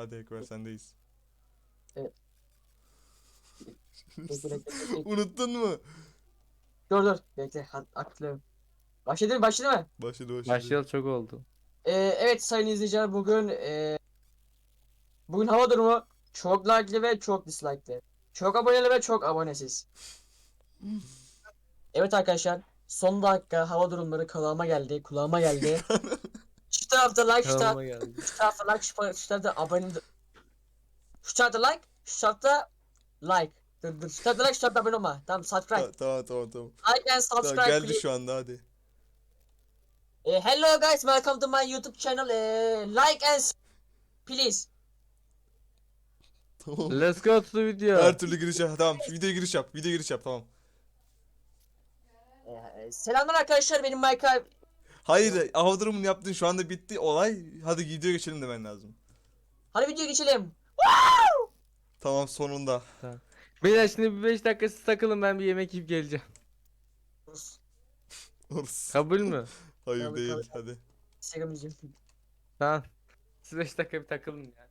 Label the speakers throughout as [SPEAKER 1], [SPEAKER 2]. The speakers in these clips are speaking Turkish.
[SPEAKER 1] Hadi Ekber sendeyiz.
[SPEAKER 2] Evet. Bekle.
[SPEAKER 1] Unuttun mu?
[SPEAKER 2] Dur. Bekle. Aklıyorum. Başladı mı?
[SPEAKER 1] Başladı.
[SPEAKER 3] Başlayalı çok oldu.
[SPEAKER 2] Evet sayın izleyiciler bugün hava durumu çok like'lı ve çok dislike'lı. Çok aboneli ve çok abonesiz. Evet arkadaşlar son dakika hava durumları kulağıma geldi. Şu tarafta like,
[SPEAKER 3] Kanalıma geldi.
[SPEAKER 2] şu tarafta like, şu tarafta abone, şu tarafta like, şu tarafta like. Dur. Şu tarafta like, şu tarafta abone olma. Tamam subscribe.
[SPEAKER 1] Tamam.
[SPEAKER 2] Like and
[SPEAKER 1] Tamam
[SPEAKER 2] subscribe
[SPEAKER 1] geldi
[SPEAKER 2] please.
[SPEAKER 1] şu anda hadi.
[SPEAKER 2] Hello guys, welcome to my YouTube channel. Like and please.
[SPEAKER 1] Tamam.
[SPEAKER 3] Let's go to the video.
[SPEAKER 1] Her türlü giriş yap. Tamam şu videoya giriş yap. Videoya giriş yap tamam.
[SPEAKER 2] Selamlar arkadaşlar, benim Minecraft.
[SPEAKER 1] Hayır hava durumunu yaptın şu anda bitti olay. Hadi videoya geçelim demen lazım.
[SPEAKER 2] Hadi videoya geçelim.
[SPEAKER 1] Tamam sonunda.
[SPEAKER 3] Beyler şimdi bir 5 dakika siz takılın, ben bir yemek yiyip geleceğim.
[SPEAKER 1] Orası.
[SPEAKER 3] Kabul mü?
[SPEAKER 1] Hayır
[SPEAKER 2] Tabii,
[SPEAKER 1] değil
[SPEAKER 2] tabii.
[SPEAKER 1] hadi.
[SPEAKER 2] Instagram izliyorum.
[SPEAKER 3] Tamam. Siz 5 dakika bir takılın ya.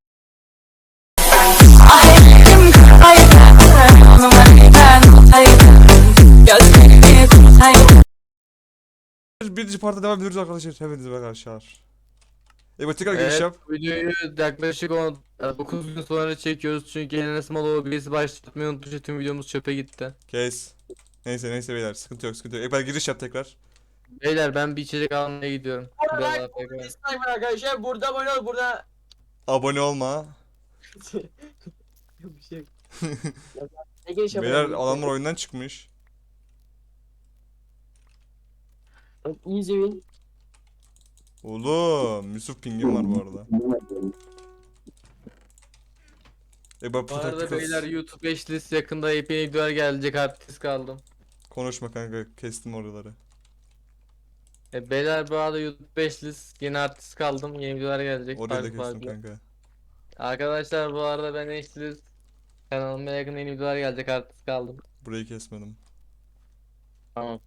[SPEAKER 1] Birinci parta devam ediyoruz arkadaşlar. Hepinize arkadaşlar. Evet tekrar giriş yap.
[SPEAKER 3] Videoyu yaklaşık 9 gün sonra çekiyoruz çünkü Enes Maloğlu birisi başlatmayı unutmuş, tüm videomuz çöpe gitti.
[SPEAKER 1] Kes. Neyse beyler sıkıntı yok. Ekber giriş yap tekrar.
[SPEAKER 3] Beyler ben bir içecek almaya gidiyorum.
[SPEAKER 2] Burada
[SPEAKER 3] Biraz
[SPEAKER 2] like,
[SPEAKER 3] daha
[SPEAKER 2] burada
[SPEAKER 3] bekle.
[SPEAKER 2] dislike var arkadaşlar. Burada abone ol, burada.
[SPEAKER 1] Abone olma.
[SPEAKER 2] Yok bir şey yok. Ne giriş
[SPEAKER 1] Beyler
[SPEAKER 2] yapalım?
[SPEAKER 1] adamlar oyundan çıkmış.
[SPEAKER 2] Easy win.
[SPEAKER 1] Oğlum Yusuf pingim var bu arada.
[SPEAKER 3] Bu arada beyler YouTube eşlist yakında yepyeni videolar gelecek, artist kaldım.
[SPEAKER 1] Konuşma kanka kestim oraları.
[SPEAKER 3] Beyler bu arada YouTube eşlist yeni artist kaldım, yeni videolar gelecek
[SPEAKER 1] Orayı da
[SPEAKER 3] farklı
[SPEAKER 1] kestim
[SPEAKER 3] farklı.
[SPEAKER 1] kanka.
[SPEAKER 3] Arkadaşlar bu arada ben eşlist kanalıma yakın yeni videolar gelecek, artist kaldım.
[SPEAKER 1] Burayı kesmedim.
[SPEAKER 3] Tamam.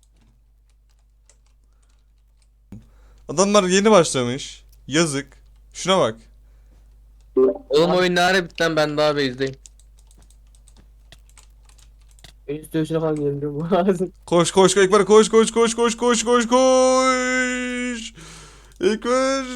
[SPEAKER 1] Adamlar yeni başlamış. Yazık. Şuna bak.
[SPEAKER 3] Oğlum oyun ne ara bitti lan, ben daha base'deyim.
[SPEAKER 2] Üst dövüşüne falan girelim bu lazım.
[SPEAKER 1] Koş Ekber koş. Ekber.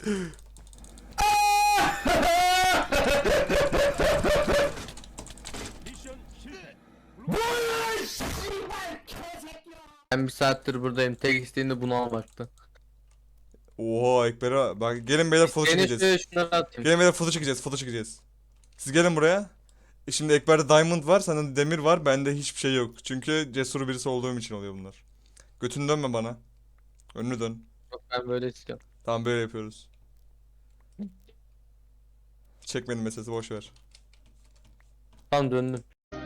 [SPEAKER 3] Ben bir saattir buradayım, tek isteğim de bunu almaktı.
[SPEAKER 1] Oha Ekber'e bak gelin beyler foto
[SPEAKER 3] Seni
[SPEAKER 1] çekeceğiz.
[SPEAKER 3] şunları atayım.
[SPEAKER 1] Gelin beyler foto çekeceğiz. Siz gelin buraya. Şimdi Ekber'de diamond var, sende demir var, bende hiçbir şey yok. Çünkü cesur birisi olduğum için oluyor bunlar. Götünü dönme bana. Önünü dön.
[SPEAKER 3] Yok, ben böyle istiyorum.
[SPEAKER 1] Tamam böyle yapıyoruz. Çekmenin meselesi boş ver.
[SPEAKER 3] Tamam, döndüm.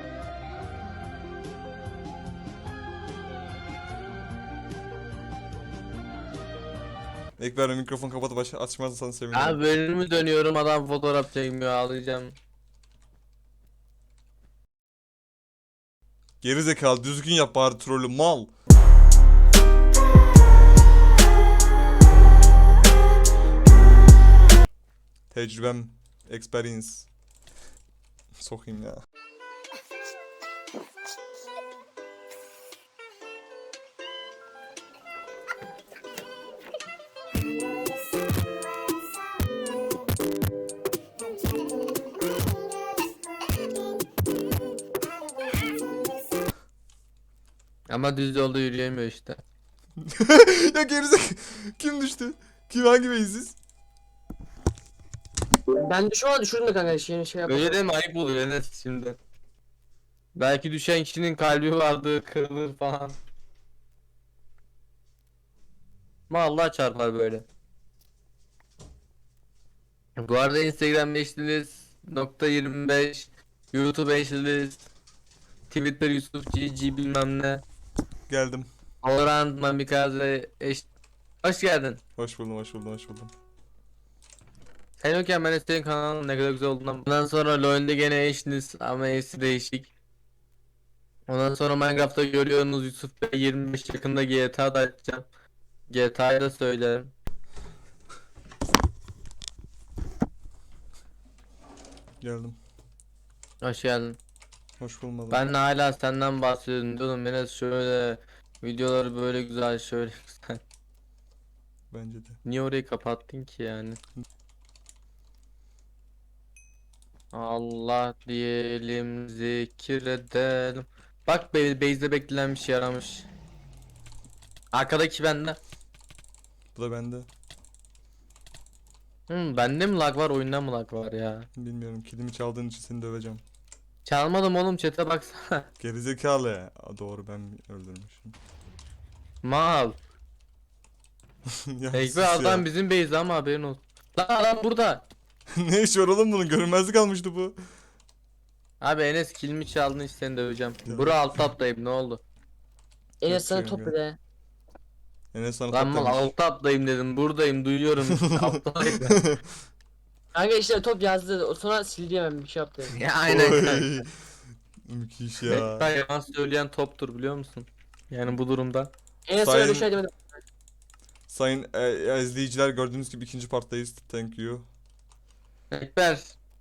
[SPEAKER 1] Ekber mikrofon kapatıp açmazsan sevinirim.
[SPEAKER 3] Abi bölümü dönüyorum, adam fotoğraf çekmiyor, ağlayacağım.
[SPEAKER 1] Geri zekalı düzgün yap bari trolü mal. Tecrübem, experience. Sokayım ya.
[SPEAKER 3] Ama düz yolda yürüyemiyor işte.
[SPEAKER 1] Ya gerizekalı. Kim düştü? Hangi beysiz?
[SPEAKER 2] Ben düşürdüm de kanka şey yapalım.
[SPEAKER 3] Öyle deme, ayıp oluyor Enes şimdi. Belki düşen kişinin kalbi vardı, kırılır falan. Ama Allah çarpar böyle. Bu arada Instagram eşliniz .25, YouTube eşliniz, Twitter Yusuf GG bilmem ne,
[SPEAKER 1] Geldim.
[SPEAKER 3] Valorant Mamikaze Hoş geldin.
[SPEAKER 1] Hoş buldum.
[SPEAKER 3] Sen yokken ben de senin kanalın ne kadar güzel olduğundan. Ondan sonra LoL'de gene eşiniz ama eşi değişik. Ondan sonra Minecraft'ta görüyorsunuz Yusuf Bey 25 yakında GTA da açacağım. GTA'yı da söylerim.
[SPEAKER 1] Geldim.
[SPEAKER 3] Hoş geldin.
[SPEAKER 1] Hoş bulmadım.
[SPEAKER 3] Ben de hala senden bahsediyordum. Diyordum Enes şöyle videoları böyle güzel şöyle güzel.
[SPEAKER 1] Bence de.
[SPEAKER 3] Niye orayı kapattın ki yani? Allah diyelim zikredelim. Bak base'de beklenen bir şey yaramış. Arkadaki bende.
[SPEAKER 1] Bu da bende.
[SPEAKER 3] Bende mi lag var oyunda mı lag var ya?
[SPEAKER 1] Bilmiyorum. Kilimi çaldığın için seni döveceğim.
[SPEAKER 3] Çalmadım oğlum chat'e baksana.
[SPEAKER 1] Gerizekalı ya. Aa, doğru ben öldürmüşüm.
[SPEAKER 3] Mal.
[SPEAKER 1] Ya sus
[SPEAKER 3] Ekber
[SPEAKER 1] ya.
[SPEAKER 3] adam bizim base ama haberin olsun. Lan adam burada.
[SPEAKER 1] Ne iş var oğlum bunun? Görünmezlik almıştı bu.
[SPEAKER 3] Abi Enes kilimi çaldın işte seni döveceğim.
[SPEAKER 1] Ya.
[SPEAKER 3] Bura alt atlayayım ne oldu?
[SPEAKER 2] Enes sana
[SPEAKER 1] Yok,
[SPEAKER 2] top
[SPEAKER 1] yok.
[SPEAKER 2] bir de.
[SPEAKER 1] Enes sana
[SPEAKER 3] Lan mal
[SPEAKER 1] toplamış.
[SPEAKER 3] alt atlayayım dedim buradayım duyuyorum. Alttayım.
[SPEAKER 2] Kanka işte top yazdı. O sonra sildi hemen bir şey yaptı.
[SPEAKER 3] Ya aynen kanka.
[SPEAKER 1] Oy. Müthiş ya.
[SPEAKER 3] Ekber yalan söyleyen toptur biliyor musun? Yani bu durumda.
[SPEAKER 2] Enes sana
[SPEAKER 1] Sayın-
[SPEAKER 2] bir şey demedim.
[SPEAKER 1] Sayın izleyiciler gördüğünüz gibi ikinci parttayız. Thank you.
[SPEAKER 3] Ekber.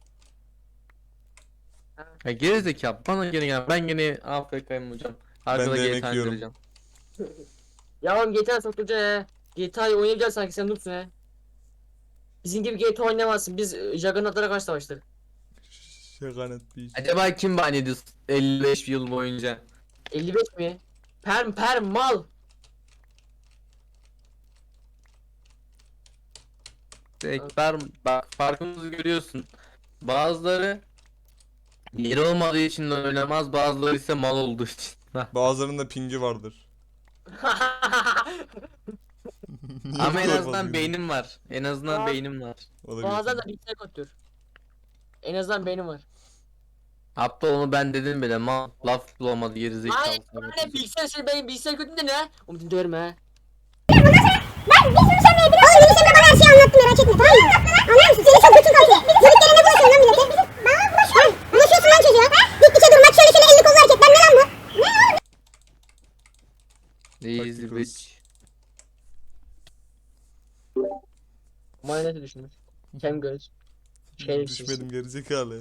[SPEAKER 3] Ya gerizekalı bana gene gel. Ben gene AFK'yim hocam. Arkada
[SPEAKER 1] de yemek
[SPEAKER 3] GTA
[SPEAKER 1] yiyorum.
[SPEAKER 3] indireceğim.
[SPEAKER 2] Ya oğlum GTA soktuca ya. GTA'yı oynayacaksın sanki sen noobsun he. Bizim gibi GTA oynamazsın. Biz Juggernaut'lara karşı savaştık.
[SPEAKER 1] Şakanet bir iş.
[SPEAKER 3] Acaba kim ban ediyor 55 yıl boyunca?
[SPEAKER 2] 55 mi? Perm mal.
[SPEAKER 3] Ekber bak farkımızı görüyorsun. Bazıları yeri olmadığı için de oynamaz, bazıları ise mal olduğu için.
[SPEAKER 1] Bazılarının da pingi vardır. Niye
[SPEAKER 3] Ama
[SPEAKER 1] bu
[SPEAKER 3] en
[SPEAKER 1] kadar
[SPEAKER 3] azından
[SPEAKER 1] fazla
[SPEAKER 3] beynim var. En azından
[SPEAKER 2] Aa.
[SPEAKER 3] beynim var.
[SPEAKER 1] gidiyorsun?
[SPEAKER 2] Bazen de bilgisayar kötüdür. En azından benim var.
[SPEAKER 3] Hatta onu ben dedim bile mal laf bulamadı gerizekalı.
[SPEAKER 2] Hayır, Hani bilgisayar şey benim bilgisayar kötü de ne? Oğlum döverim ha.
[SPEAKER 4] Ben bir sürü sevmeyi biliyorum. Oğlum Melih bana her şeyi anlattı merak etme tamam mı? Anlar mısın? Seni çok kötü kalıyor. Yörüklerine bulaşıyorsun lan millete. Bana bulaşıyor. Bulaşıyorsun lan çocuğa. Diktiçe durmak şöyle şöyle elli kollu hareketler ne lan bu?
[SPEAKER 3] Easy
[SPEAKER 1] Taktik
[SPEAKER 3] bitch.
[SPEAKER 2] Mayonezi düşünmüş. Kem göz. Şerefsiz.
[SPEAKER 1] Düşmedim gerizekalı.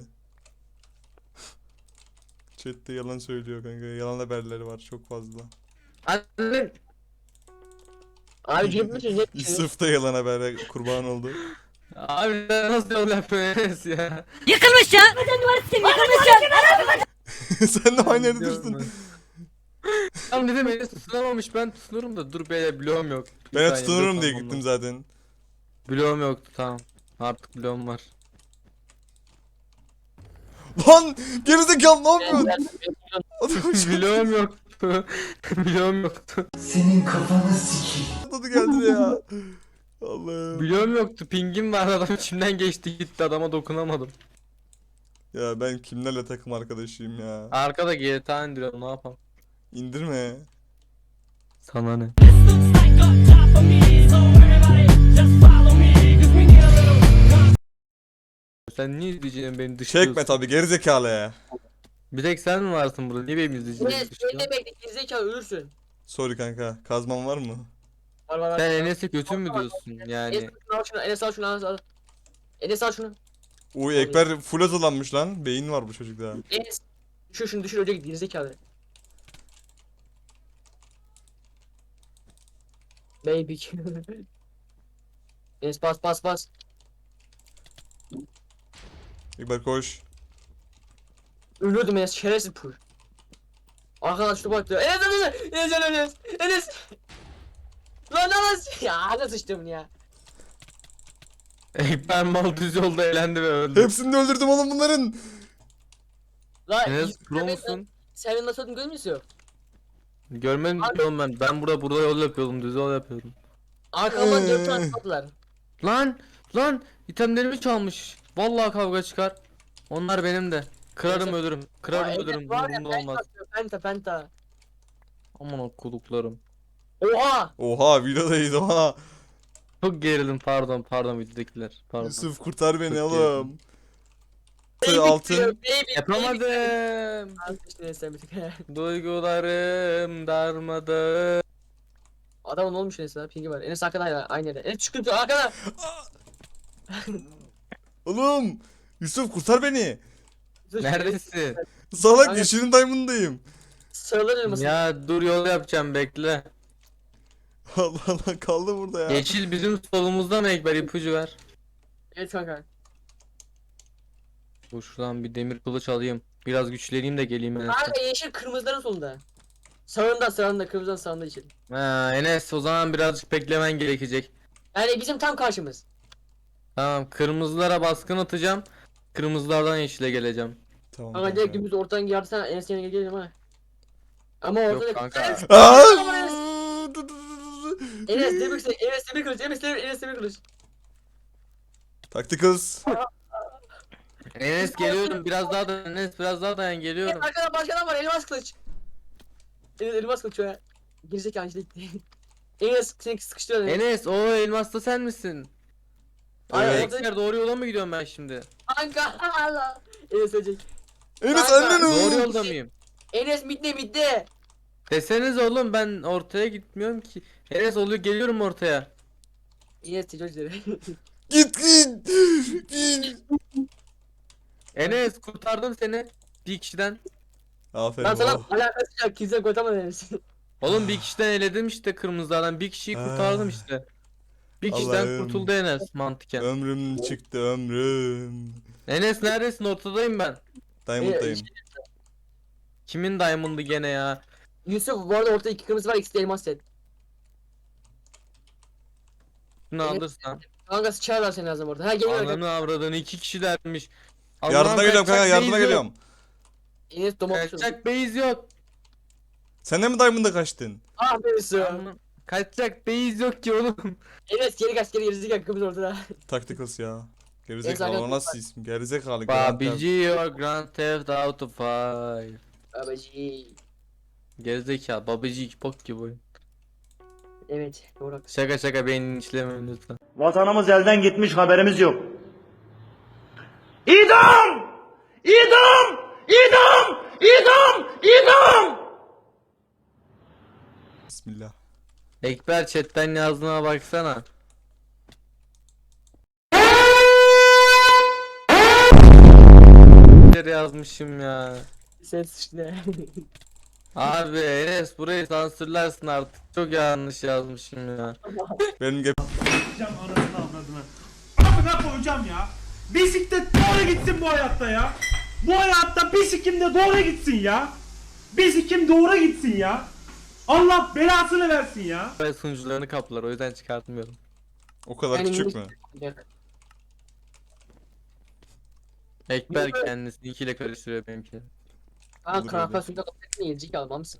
[SPEAKER 1] Chat'te yalan söylüyor kanka. Yalan haberleri var çok fazla.
[SPEAKER 3] Anne.
[SPEAKER 2] Abi cebime çözecek bir şey.
[SPEAKER 1] Yusuf da yalan habere kurban oldu.
[SPEAKER 3] Abi sen nasıl yol yapıyorsun ya?
[SPEAKER 4] Yıkılmış ya. Vatan duvarı sistemi yıkılmış ya.
[SPEAKER 1] Sen de aynı yerde düştün.
[SPEAKER 3] Tam dedim beni tutunamamış ben tutunurum da dur beyler bloğum yok. Bir
[SPEAKER 1] Ben de
[SPEAKER 3] saniye,
[SPEAKER 1] tutunurum
[SPEAKER 3] dur,
[SPEAKER 1] diye
[SPEAKER 3] tamam,
[SPEAKER 1] gittim
[SPEAKER 3] tamam.
[SPEAKER 1] zaten.
[SPEAKER 3] Bloğum yoktu tamam. Artık bloğum var.
[SPEAKER 1] Lan gerizekalı ne yapıyorsun? Adam
[SPEAKER 3] bloğum yoktu. bloğum yoktu.
[SPEAKER 1] atladı geldi ya. Allah'ım.
[SPEAKER 3] Bloğum yoktu. Pingim var adam içimden geçti gitti adama dokunamadım.
[SPEAKER 1] Ya ben kimlerle takım arkadaşıyım ya.
[SPEAKER 3] Arkada GTA indiriyorum ne yapalım.
[SPEAKER 1] İndirme.
[SPEAKER 3] Sana ne? Sen niye izleyeceğin beni dışlıyorsun?
[SPEAKER 1] Çekme tabi gerizekalı ya.
[SPEAKER 3] Bir tek sen mi varsın burada? Niye benim izleyeceğim
[SPEAKER 2] Enes
[SPEAKER 3] beni dışlıyorsun?
[SPEAKER 2] beni bekle gerizekalı ölürsün.
[SPEAKER 1] Sorry kanka. Kazman var mı?
[SPEAKER 2] Var.
[SPEAKER 3] Sen Enes'e kötü mü diyorsun yani?
[SPEAKER 2] Enes al şunu, Enes al şunu, al. Enes al şunu.
[SPEAKER 1] Uy Ekber full hazırlanmış lan. Beyin var bu çocukta.
[SPEAKER 2] Enes. Şunu düşür önce git gerizekalı. Baby. Enes bas.
[SPEAKER 1] Ekber koş.
[SPEAKER 2] Ölüyordum Enes şerefsiz pul. Arkadan şu baktı. Enes. Lan ya nasıl sıçtım ya.
[SPEAKER 3] Ekber mal düz yolda elendi ve öldü.
[SPEAKER 1] Hepsini de öldürdüm oğlum bunların.
[SPEAKER 2] Lan
[SPEAKER 3] Enes pro musun?
[SPEAKER 2] Sen nasıl öldün görmüyor musun?
[SPEAKER 3] Görmedim ki oğlum ben. Ben burada yol yapıyordum, düz yol yapıyordum.
[SPEAKER 2] Arkamdan 4 tane attılar.
[SPEAKER 3] Lan itemlerimi çalmış. Vallahi kavga çıkar. Onlar benim de. Kırarım
[SPEAKER 2] Neyse.
[SPEAKER 3] ölürüm. Kırarım ölürüm. Umurumda olmaz.
[SPEAKER 2] Penta.
[SPEAKER 3] Aman o kuluklarım.
[SPEAKER 2] Oha!
[SPEAKER 1] Oha videodayız oha.
[SPEAKER 3] Çok gerildim pardon videodakiler. Pardon.
[SPEAKER 1] Yusuf kurtar beni
[SPEAKER 3] Çok
[SPEAKER 1] oğlum.
[SPEAKER 2] Baby
[SPEAKER 1] Altın.
[SPEAKER 2] diyor, baby.
[SPEAKER 3] Yapamadım.
[SPEAKER 2] Neyse bir tık.
[SPEAKER 3] Duygularım darmadı.
[SPEAKER 2] Adamın olmuş neyse lan pingi var. Enes arkada aynı yerde. Enes çıkıyor arkada.
[SPEAKER 1] Oğlum Yusuf kurtar beni.
[SPEAKER 3] Neredesin?
[SPEAKER 1] Salak
[SPEAKER 2] Kanka-
[SPEAKER 1] yeşilin diamond'dayım.
[SPEAKER 2] Sarılır elması.
[SPEAKER 3] Ya dur yol yapacağım bekle.
[SPEAKER 1] Allah Allah kaldı burada ya.
[SPEAKER 3] Yeşil bizim solumuzda mı Ekber, ipucu ver.
[SPEAKER 2] Evet kanka.
[SPEAKER 3] Dur şuradan bir demir kılıç alayım. Biraz güçleneyim de geleyim Enes'e.
[SPEAKER 2] Kanka yeşil kırmızıların solunda. Sağında kırmızıdan sağında yeşil.
[SPEAKER 3] Ha, Enes o zaman birazcık beklemen gerekecek.
[SPEAKER 2] Yani bizim tam karşımız.
[SPEAKER 3] Tamam, kırmızılara baskın atacağım. Kırmızılardan yeşile geleceğim.
[SPEAKER 1] Tamam.
[SPEAKER 2] Kanka direkt dümdüz ortadan yardısan Enes yerine gelelim ha. Ama ortada
[SPEAKER 3] Yok kanka.
[SPEAKER 1] Aa!
[SPEAKER 2] Enes demir kılıç, Enes demir kılıç, Enes demir kılıç.
[SPEAKER 1] Tacticals.
[SPEAKER 3] Enes geliyorum, biraz daha dayan Enes, biraz daha dayan, geliyorum.
[SPEAKER 2] Arkada başka adam var, elmas kılıç. Enes elmas kılıç ya. Gerizekalı işte gitti. Enes seni sıkıştırıyor.
[SPEAKER 3] Enes o elmaslı sen misin?
[SPEAKER 2] Ay,
[SPEAKER 3] Ay,
[SPEAKER 2] orada-
[SPEAKER 3] Ekber doğru yola mı gidiyorum ben şimdi?
[SPEAKER 2] Kanka Allah. Enes ölecek.
[SPEAKER 1] Enes
[SPEAKER 2] Kanka,
[SPEAKER 1] annen
[SPEAKER 3] Doğru
[SPEAKER 1] o.
[SPEAKER 3] yolda mıyım?
[SPEAKER 2] Enes midde.
[SPEAKER 3] Deseniz oğlum, ben ortaya gitmiyorum ki. Enes oluyor, geliyorum ortaya.
[SPEAKER 2] Enes tecrübeleri.
[SPEAKER 1] Git git. Git.
[SPEAKER 3] Enes kurtardım seni bir kişiden.
[SPEAKER 1] Aferin.
[SPEAKER 2] Ben sana
[SPEAKER 1] Oh.
[SPEAKER 2] alakası yok. Kimse koyamadı Enes.
[SPEAKER 3] Oğlum bir kişiden eledim işte kırmızılardan. Bir kişiyi kurtardım
[SPEAKER 1] Ah.
[SPEAKER 3] işte. Bir kişiden
[SPEAKER 1] Allah'ım.
[SPEAKER 3] kurtuldu Enes mantıken.
[SPEAKER 1] Ömrüm çıktı ömrüm.
[SPEAKER 3] Enes neredesin? Ortadayım ben.
[SPEAKER 1] Diamond'dayım.
[SPEAKER 3] Kimin diamond'ı gene ya?
[SPEAKER 2] Yusuf bu arada ortada 2 kırmızı var, ikisi de elmas set.
[SPEAKER 3] Şunu
[SPEAKER 2] Evet.
[SPEAKER 3] alırsan.
[SPEAKER 2] Kanka sıçarlar seni lazım orada. Ha geliyor.
[SPEAKER 3] Ananı avradını 2 kişilermiş.
[SPEAKER 1] Yardıma geliyorum kanka, yardıma
[SPEAKER 3] base yok.
[SPEAKER 1] geliyorum.
[SPEAKER 2] Enes domak düşürdü.
[SPEAKER 3] Kaçacak base yok.
[SPEAKER 2] Şey
[SPEAKER 1] Sen de mi Diamond'a kaçtın?
[SPEAKER 2] Ah be Yusuf.
[SPEAKER 3] Ananı- Kaçacak base yok ki oğlum.
[SPEAKER 2] Enes geri kaç geri gerizekalı kırmızı ortada.
[SPEAKER 1] Tacticals ya.
[SPEAKER 2] Evet,
[SPEAKER 1] Gerizekalı o
[SPEAKER 2] zaten-
[SPEAKER 1] nasıl isim? Gerizekalı. Grand Theft.
[SPEAKER 3] Babici Grand Theft Auto 5.
[SPEAKER 2] Babacı.
[SPEAKER 3] Gerizekalı babici bok gibi oyun.
[SPEAKER 2] Evet doğru haklısın.
[SPEAKER 3] Şaka şaka beynini işlemeyin lütfen.
[SPEAKER 5] Vatanımız elden gitmiş, haberimiz yok. İdam! İdam! İdam! İdam! İdam!
[SPEAKER 1] Bismillah.
[SPEAKER 3] Ekber chatten yazdığına baksana. Yazmışım ya.
[SPEAKER 2] Sen sıçtı.
[SPEAKER 3] Abi Enes burayı sansürlersin artık. Çok yanlış yazmışım ya.
[SPEAKER 1] Benim gep
[SPEAKER 5] Koyacağım anasını avradını. Amına koyacağım ya. Bisiklet doğru gitsin bu hayatta ya. Bu hayatta bisiklim de doğru gitsin ya. Bisiklim doğru gitsin ya. Allah belasını versin ya.
[SPEAKER 3] Ve sunucularını kaplar, o yüzden çıkartmıyorum.
[SPEAKER 1] o kadar
[SPEAKER 2] Yani
[SPEAKER 1] küçük
[SPEAKER 2] minik-
[SPEAKER 1] mü?
[SPEAKER 3] Ekber
[SPEAKER 2] Yok be.
[SPEAKER 3] kendisininkiyle karıştırıyor benimkini.
[SPEAKER 2] Kanka
[SPEAKER 1] Olur
[SPEAKER 2] kanka
[SPEAKER 1] öyle.
[SPEAKER 2] suyunda kapatın yiyecek almamsın.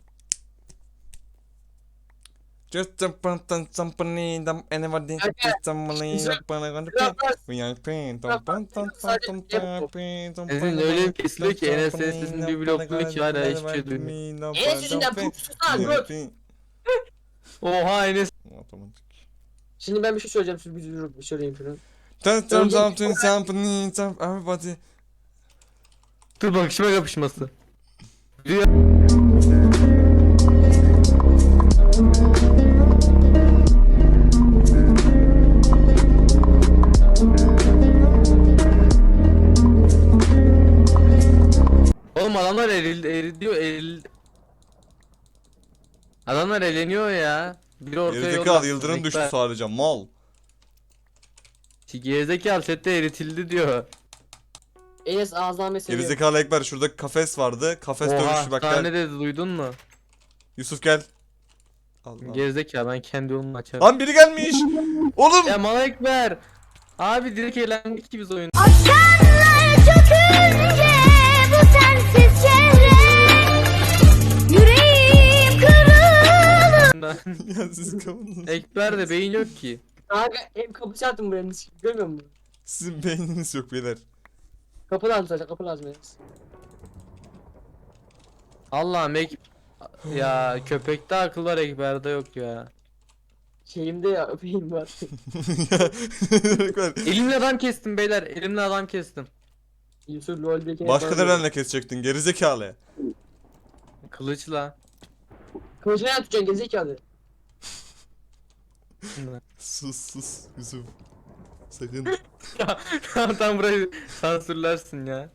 [SPEAKER 1] Just jump on somebody, anybody,
[SPEAKER 2] Kanka,
[SPEAKER 1] just somebody,
[SPEAKER 2] güzel-
[SPEAKER 3] Sizin öyle bir kesiliyor ki Enes sesinin bir blokluyor ki hala hiçbir şey duymuyor.
[SPEAKER 2] Enes yüzünden susana göt.
[SPEAKER 3] Oha Enes.
[SPEAKER 1] Otomatik.
[SPEAKER 2] Şimdi ben bir şey söyleyeceğim. Siz bir söyleyeyim şunu.
[SPEAKER 1] Everybody.
[SPEAKER 3] Dur bakışma kapışması. Oğlum adamlar Adamlar eleniyor ya. Biri ortaya
[SPEAKER 1] Gerizekalı yıldırım düştü sadece mal.
[SPEAKER 3] Gerizekalı chatte eritildi diyor.
[SPEAKER 2] Enes ağzından mesele.
[SPEAKER 1] Gerizekalı Ekber şurada kafes vardı. Kafes
[SPEAKER 3] Oha
[SPEAKER 1] dövüşü bak
[SPEAKER 3] tane
[SPEAKER 1] gel.
[SPEAKER 3] dedi, duydun mu?
[SPEAKER 1] Yusuf gel. Allah.
[SPEAKER 3] Gerizekalı ben kendi yolumu açarım.
[SPEAKER 1] Lan biri gelmiş. Oğlum.
[SPEAKER 3] Ya mal Ekber. Abi direkt eğlendik ki biz oyun.
[SPEAKER 4] Akşamlar çökünce bu sensiz çehre yüreğim kırılır.
[SPEAKER 1] Ya siz kapınız.
[SPEAKER 3] Ekber'de beyin yok ki.
[SPEAKER 2] Kanka ev kapısı attım buraya. Görmüyor musun?
[SPEAKER 1] Sizin beyniniz yok beyler.
[SPEAKER 2] Kapı lazım sadece, kapı lazım Enes.
[SPEAKER 3] Allah'ım ya köpekte akıl var, Ekber'de yok ya.
[SPEAKER 2] Şeyimde ya öpeyim var.
[SPEAKER 1] Ekber.
[SPEAKER 3] Elimle adam kestim beyler, elimle adam kestim.
[SPEAKER 2] Yusuf LoL'deki
[SPEAKER 1] Başka nerenle kesecektin gerizekalı.
[SPEAKER 3] Kılıçla.
[SPEAKER 2] Kılıcını nereden tutacaksın gerizekalı?
[SPEAKER 1] Sus Yusuf. Sakın.
[SPEAKER 3] Tam burayı sansürlersin ya.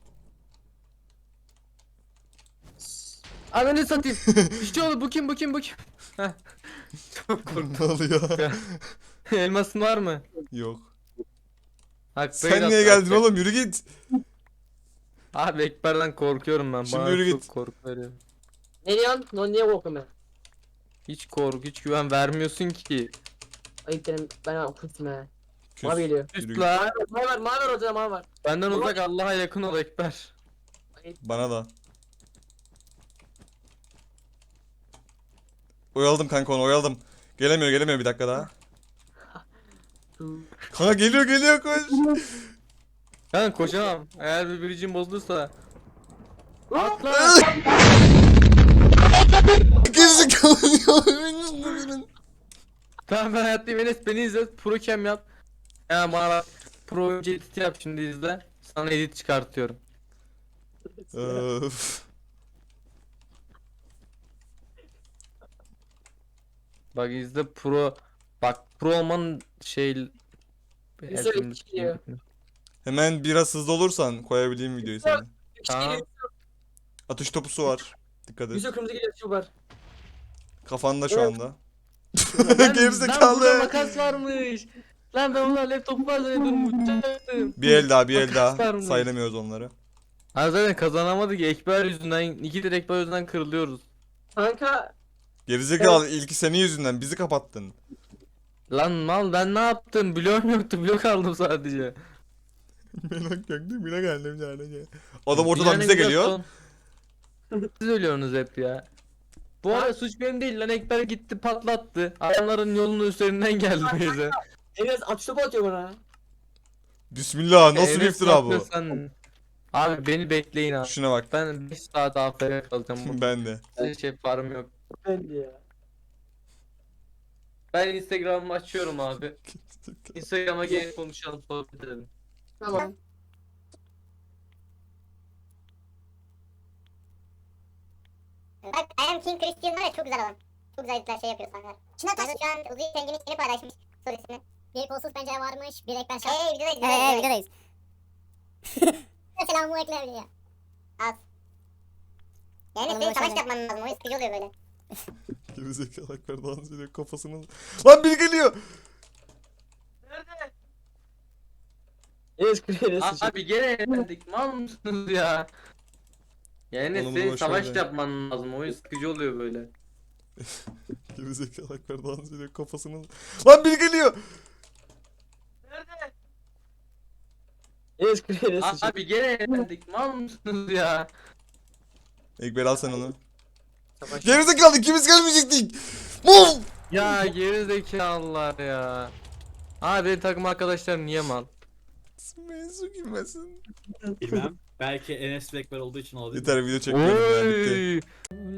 [SPEAKER 3] Ananı satayım. İşte oğlum bu kim bu kim bu kim? Heh. Çok korktum.
[SPEAKER 1] Ne oluyor?
[SPEAKER 3] Elmasın var mı?
[SPEAKER 1] Yok.
[SPEAKER 3] Hak
[SPEAKER 1] Sen niye geldin oğlum? Yürü git.
[SPEAKER 3] Abi Ekber'den korkuyorum ben.
[SPEAKER 1] Şimdi
[SPEAKER 3] Bana
[SPEAKER 1] yürü
[SPEAKER 3] çok
[SPEAKER 1] git.
[SPEAKER 3] korku veriyor.
[SPEAKER 2] Ne diyorsun? No, niye korkuyorum ben?
[SPEAKER 3] Hiç korku, hiç güven vermiyorsun ki.
[SPEAKER 2] Ayıp dedim ben kustum he.
[SPEAKER 1] Küs.
[SPEAKER 2] Mavi geliyor.
[SPEAKER 1] Yürü git.
[SPEAKER 3] Üstla.
[SPEAKER 2] Mavi var ortada mavi var.
[SPEAKER 3] Benden uzak Allah'a yakın ol Ekber.
[SPEAKER 1] Bana da. Oyaladım kanka onu oyaladım. Gelemiyor bir dakika daha. Kanka geliyor koş.
[SPEAKER 3] Ben koşamam. Eğer bir biricim bozulursa. Atla.
[SPEAKER 1] Gerizekalı.
[SPEAKER 3] Tamam ben hayattayım Enes beni izle. Pro cam yap. Hemen bana bak. Pro oyuncu editi yap şimdi izle. Sana edit çıkartıyorum.
[SPEAKER 1] Öf.
[SPEAKER 3] Bak izle pro. Bak pro olmanın şey.
[SPEAKER 2] Güzel
[SPEAKER 3] Şimdi-
[SPEAKER 2] çıkıyor.
[SPEAKER 1] Hemen biraz hızlı olursan koyabileyim videoyu sana.
[SPEAKER 3] Tamam.
[SPEAKER 1] Atış topusu var. Dikkat et.
[SPEAKER 2] Yüzü kırmızı geliyor şu var.
[SPEAKER 1] Kafanda şu anda.
[SPEAKER 3] Lan burada
[SPEAKER 1] Gerizekalı.
[SPEAKER 3] makas varmış. Lan ben ulan laptop var zannediyorum uçacaktım.
[SPEAKER 1] Bir el daha bir el
[SPEAKER 3] Makas
[SPEAKER 1] daha.
[SPEAKER 3] varmış.
[SPEAKER 1] Sayılamıyoruz onları.
[SPEAKER 3] Ha zaten kazanamadık Ekber yüzünden. İki de Ekber yüzünden kırılıyoruz.
[SPEAKER 2] Kanka
[SPEAKER 1] Gerizekalı ilki senin yüzünden bizi kapattın.
[SPEAKER 3] Lan mal ben ne yaptım? Bloğum yoktu blok aldım sadece.
[SPEAKER 1] Merak yok değil mi? Ne geldim yani. Adam ortadan bize geliyor.
[SPEAKER 3] Siz ölüyorsunuz hep ya. Bu arada suç benim değil lan Ekber gitti patlattı. Adamların yolunun üzerinden geldi bize.
[SPEAKER 2] Enes atış topu atıyor bana.
[SPEAKER 1] Bismillah nasıl bir
[SPEAKER 3] Enes
[SPEAKER 1] iftira bu?
[SPEAKER 3] yapıyorsan- Abi beni bekleyin abi.
[SPEAKER 1] Şuna bak.
[SPEAKER 3] Ben 5 saat AFK kalacağım. Bu
[SPEAKER 1] Ben de.
[SPEAKER 3] şey farm yok.
[SPEAKER 2] Ben de ya.
[SPEAKER 3] Ben Instagram'ımı açıyorum abi. Instagram'a gelip konuşalım sohbet edelim.
[SPEAKER 2] Tamam.
[SPEAKER 4] Bak I am King Christian var ya çok güzel adam. Çok güzel editler şey yapıyor sanki. Şuna taş. Şu an Uzi Tengin'in yeni paylaşmış storiesini. Bir kolsuz pencere varmış, bir ekber şart. Videodayız. Videodayız. Selamı ekler ya. Az. Yani senin savaş yapman lazım, o sıkıcı oluyor böyle.
[SPEAKER 1] Gerizekalı Akber dans ediyor kafasını. Lan biri geliyor.
[SPEAKER 2] Enes kırıyor Enes.
[SPEAKER 3] Abi gene elendik. Mal mısınız ya? Yani
[SPEAKER 1] Oğlum,
[SPEAKER 3] senin
[SPEAKER 1] boş
[SPEAKER 3] savaş
[SPEAKER 1] ver.
[SPEAKER 3] yapman lazım. Oyun sıkıcı oluyor böyle.
[SPEAKER 1] Gerizekalı Akber dans ediyor kafasını. Lan biri geliyor.
[SPEAKER 2] Enes kırıyor Enes.
[SPEAKER 3] Abi gene elendik. Mal mısınız ya?
[SPEAKER 1] Ekber al sen onu.
[SPEAKER 2] Savaş.
[SPEAKER 1] Gerizekalı ikimiz gelmeyecektik. Move.
[SPEAKER 3] Ya geri zekalılar ya. Abi benim takım arkadaşlarım niye mal?
[SPEAKER 1] Mevzu girmesin.
[SPEAKER 6] Bilmem. Belki Enes ve Ekber olduğu için olabilir.
[SPEAKER 1] Yeter video çekmiyorum ya bitti.
[SPEAKER 3] Oy.